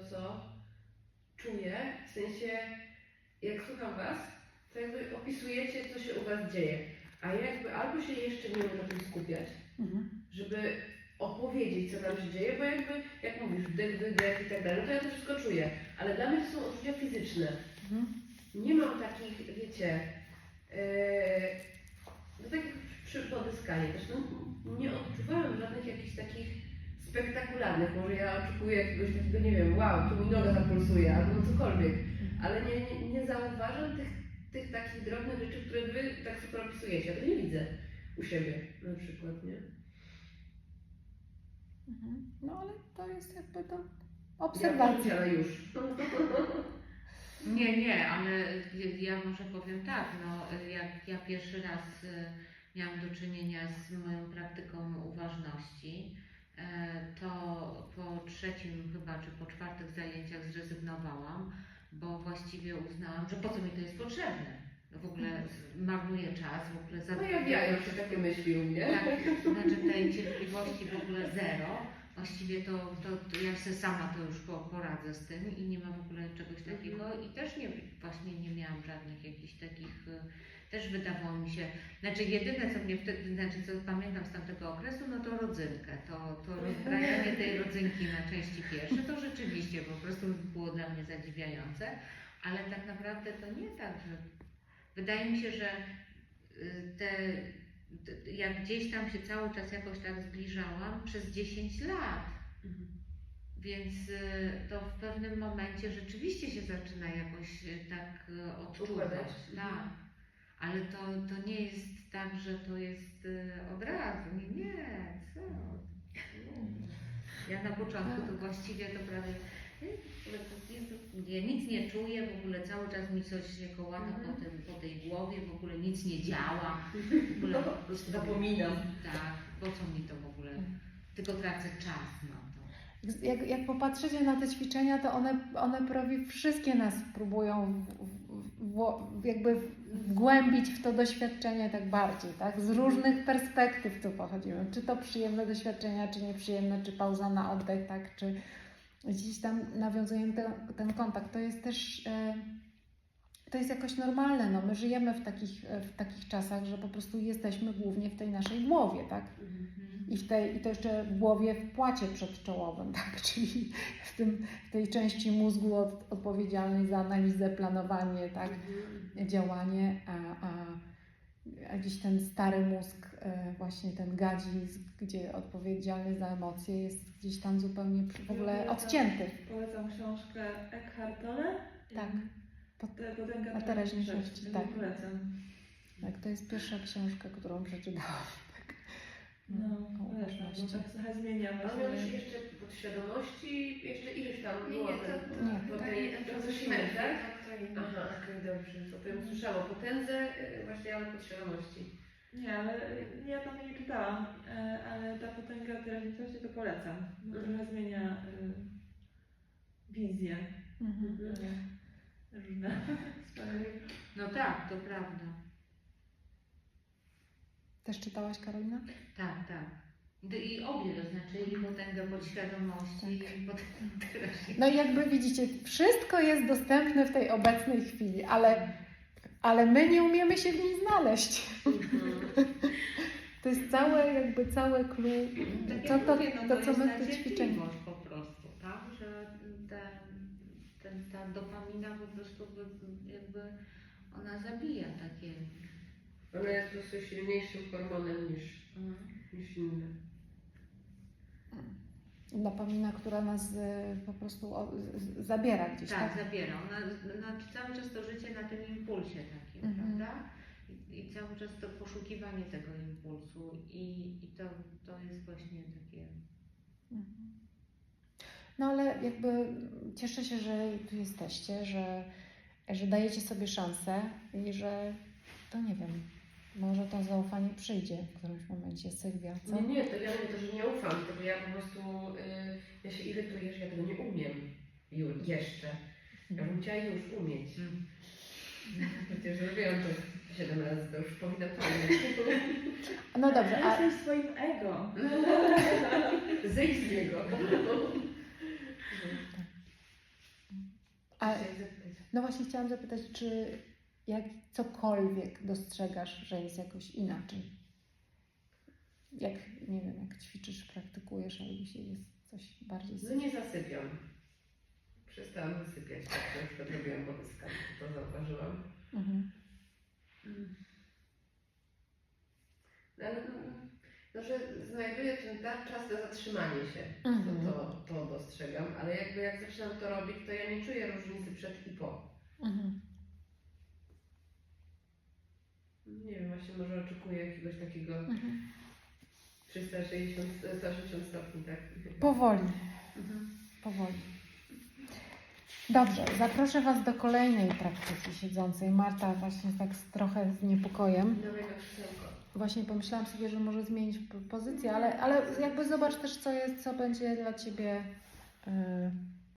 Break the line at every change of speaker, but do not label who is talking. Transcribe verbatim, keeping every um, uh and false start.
co czuję, w sensie jak słucham Was, to jakby opisujecie, co się u Was dzieje, a ja jakby albo się jeszcze nie umiem na tym skupiać,
Mhm.
żeby opowiedzieć, co nam się dzieje, bo jakby, jak mówisz, wdech, wydech i tak dalej, no to ja to wszystko czuję, ale dla mnie to są odczucia fizyczne.
Mhm.
Nie mam takich, wiecie, yy, no tak jak przy podyskanie też, no, nie odczuwałem żadnych jakichś takich spektakularnych, może ja oczekuję jakiegoś takiego, nie wiem, wow, tu mi noga zapulsuje, albo cokolwiek, ale nie, nie, nie zauważam tych, tych takich drobnych rzeczy, które Wy tak super opisujecie, ja to nie widzę u siebie na przykład, nie?
Mhm. No ale to jest jakby to
Ja
obserwacja.
ale już.
Nie, nie, ale ja może powiem tak, no jak ja pierwszy raz y, miałam do czynienia z moją praktyką uważności, y, to po trzecim chyba, czy po czwartych zajęciach zrezygnowałam, bo właściwie uznałam, że po co mi to jest potrzebne. W ogóle marnuję czas, w ogóle za
Pojawiają się takie myśli u mnie.
tak, znaczy tej cierpliwości w ogóle zero. Właściwie to, to, to ja sobie sama to już po, poradzę z tym i nie ma w ogóle czegoś takiego i też nie, właśnie nie miałam żadnych jakichś takich, też wydawało mi się, znaczy jedyne co mnie wtedy, znaczy co pamiętam z tamtego okresu, no to rodzynkę, to, to rozbrajanie tej rodzynki na części pierwsze, to rzeczywiście po prostu było dla mnie zadziwiające, ale tak naprawdę to nie tak, że wydaje mi się, że te jak gdzieś tam się cały czas jakoś tak zbliżałam przez dziesięć lat.
Mhm.
Więc to w pewnym momencie rzeczywiście się zaczyna jakoś tak odczuwać.
Układać.
Tak. Ale to, to nie jest tak, że to jest od razu. Nie, nie, co? Ja na początku to właściwie to prawie ja nic nie czuję, w ogóle cały czas mi coś się kołata
Mhm.
po, tym, po tej głowie, w ogóle nic nie działa. W ogóle
No,
po prostu
zapominam.
Tak, po co mi to w ogóle? Tylko tracę czas na to.
Jak, jak popatrzycie na te ćwiczenia, to one, one prawie wszystkie nas próbują w, w, w, jakby wgłębić w to doświadczenie tak bardziej, tak? Z różnych perspektyw tu pochodzimy. Czy to przyjemne doświadczenia, czy nieprzyjemne, czy pauza na oddech, tak? Czy gdzieś tam nawiązujemy ten, ten kontakt. To jest też, e, to jest jakoś normalne. No, my żyjemy w takich, w takich czasach, że po prostu jesteśmy głównie w tej naszej głowie, tak? I, w tej, I to jeszcze w głowie w płacie przedczołowym, tak? Czyli w, tym, w tej części mózgu od, odpowiedzialnej za analizę, planowanie, tak? Działanie, a, a, a gdzieś ten stary mózg, e, właśnie ten gadzi, gdzie odpowiedzialny za emocje, jest gdzieś tam zupełnie w ogóle odcięty.
Polecam książkę Eckhart Tolle.
Tak.
Pod, potęga
A teraźniejszości, tak.
Polecam.
Tak, to jest pierwsza książka, którą przeczytałam. Tak.
No,
o
polecam, bo
uważności.
tak trochę zmieniam.
Ale
właśnie.
miałeś jeszcze podświadomości, jeszcze ileś tam
Nie,
było
nie, to,
ten-
to,
Nie.
bo
to,
tej-
to,
to
to,
zeszliśmy, tak?
to inne.
Aha, okej, dobrze. To bym słyszała potędze, y, właśnie, ale podświadomości.
Nie, ale ja tam nie czytałam, e, ale ta potęga teraźniejszości to polecam. Bo
Mhm.
trochę zmienia y, wizję.
Mhm.
Y, różne sprawy.
No tak, to prawda.
Też czytałaś, Karolina?
Tak, tak. I obie, to znaczy i potęgę podświadomości, i potęgę teraźniejszości.
No i jakby widzicie, wszystko jest dostępne w tej obecnej chwili, ale, ale my nie umiemy się w niej znaleźć. To jest całe, jakby całe clue,
Tak
to,
jak
to,
mówię, no
to,
to
co
jest
my
ta
w tych ćwiczeniach.
cierpliwość po prostu, tak? Że ten, ten, ta dopamina po prostu by- jakby ona zabija takie.
Ona jest po prostu silniejszym hormonem niż, niż inne.
Dopamina, która nas y, po prostu o, z, zabiera gdzieś,
Tak,
tak?
zabiera. Ona, ona cały czas to życie na tym impulsie takim,
Mhm.
prawda? I, I cały czas to poszukiwanie tego impulsu i, i to, to jest właśnie takie.
Mhm. No ale jakby cieszę się, że tu jesteście, że, że dajecie sobie szansę i że to nie wiem, może to zaufanie przyjdzie w którymś momencie. Sylwia, co?
Nie, nie, to ja nie to, że nie ufam, tylko ja po prostu, y, ja się irytuję, że ja tego nie umiem już, jeszcze. Ja bym chciała już umieć.
Mm.
Przecież robiłam to siedem razy, to już powinna to umieć.
No dobrze, a
Jesteś swoim ego.
Zejdź z niego.
No właśnie chciałam zapytać, czy jak cokolwiek dostrzegasz, że jest jakoś inaczej? Jak, nie wiem, jak ćwiczysz, praktykujesz, albo się jest coś bardziej...
No nie zasypiam. Przestałam zasypiać, tak na przykład robiłam podyskami, to zauważyłam.
Mhm.
No, ale, no, że znajduję ten ta- czas na zatrzymanie się,
Mhm.
to, to, to dostrzegam, ale jakby jak zaczynam to robić, to ja nie czuję różnicy przed i po.
Mhm.
Nie wiem, właśnie może oczekuję jakiegoś takiego
Mhm.
trzysta sześćdziesiąt, sto osiemdziesiąt stopni, tak?
Powoli,
Mhm.
powoli. Dobrze, zaproszę Was do kolejnej praktyki siedzącej. Marta właśnie tak z, trochę z niepokojem.
Dawaj na krzesełko.
Właśnie pomyślałam sobie, że może zmienić p- pozycję, ale, ale jakby zobacz też, co jest, co będzie dla Ciebie yy,